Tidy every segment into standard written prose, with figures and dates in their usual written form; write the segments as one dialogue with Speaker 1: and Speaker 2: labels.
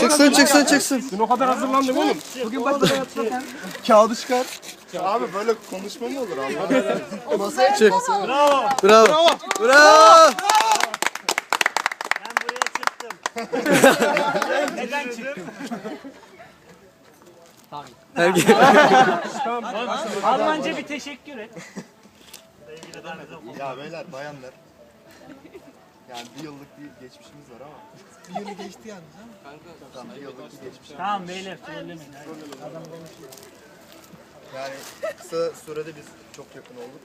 Speaker 1: çıksın.
Speaker 2: Dün o kadar hazırlandım oğlum.
Speaker 3: Bugün başta yapsak.
Speaker 1: Kağıdı çıkar.
Speaker 4: Abi böyle konuşma mı olur abi? Masaya
Speaker 1: Çık.
Speaker 3: Bravo.
Speaker 1: Bravo.
Speaker 3: Ben buraya çıktım. Neden çıktım? Almanca bir teşekkür et.
Speaker 4: Ya beyler, bayanlar. Yani bir yıllık bir geçmişimiz var ama. Bir yılı geçti yani değil mi? Tamam, bir yıllık bir geçmişimiz.
Speaker 3: Tamam beyler trollemeyin.
Speaker 4: Yani kısa sürede biz çok yakın olduk.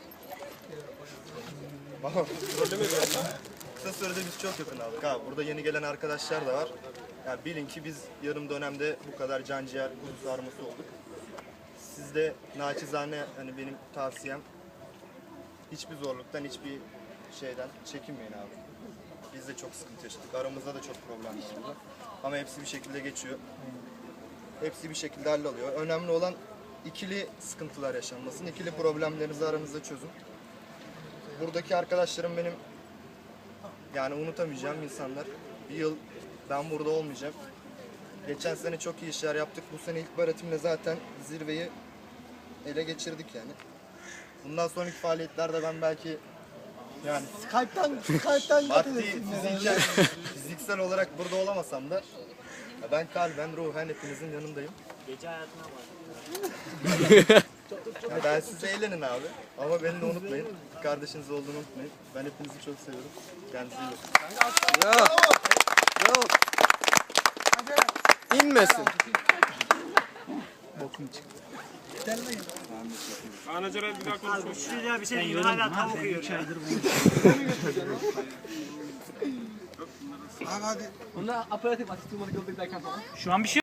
Speaker 4: Kısa sürede biz çok yakın olduk. Ha, burada yeni gelen arkadaşlar da var. Yani bilin ki biz yarım dönemde bu kadar canciğer kuzu sarması olduk. Siz de naçizane hani benim tavsiyem hiçbir zorluktan, hiçbir şeyden çekinmeyin abi. Biz de çok sıkıntı yaşadık. Aramızda da çok problem var. Ama hepsi bir şekilde geçiyor. Hepsi bir şekilde halloluyor. Önemli olan ikili sıkıntılar yaşanmasın. İkili problemlerinizi aranızda çözün. Buradaki arkadaşlarım benim yani unutamayacağım insanlar. Bir yıl ben burada olmayacağım. Geçen sene çok iyi işler yaptık. Bu sene ilk öğretimle zaten zirveyi ele geçirdik yani. Bundan sonraki faaliyetlerde ben belki yani
Speaker 1: Skype'tan
Speaker 4: maddi, fiziksel olarak burada olamasam da ya ben kalben, ruhen hepinizin yanındayım.
Speaker 3: Gece hayatına var.
Speaker 4: Ya ben size eğlenin abi. Ama beni de unutmayın. Kardeşiniz olduğunu unutmayın. Ben hepinizi çok seviyorum. Kendinize iyi bakın.
Speaker 1: Bravo. Bravo. İnmesin.
Speaker 2: Anacılar bir daha konuşalım.
Speaker 3: Şuraya bir şey diyeyim. Hala tavuk yiyor.
Speaker 5: Onlar aparatif asist olmadı gördüklerken falan.
Speaker 3: Şu an bir şey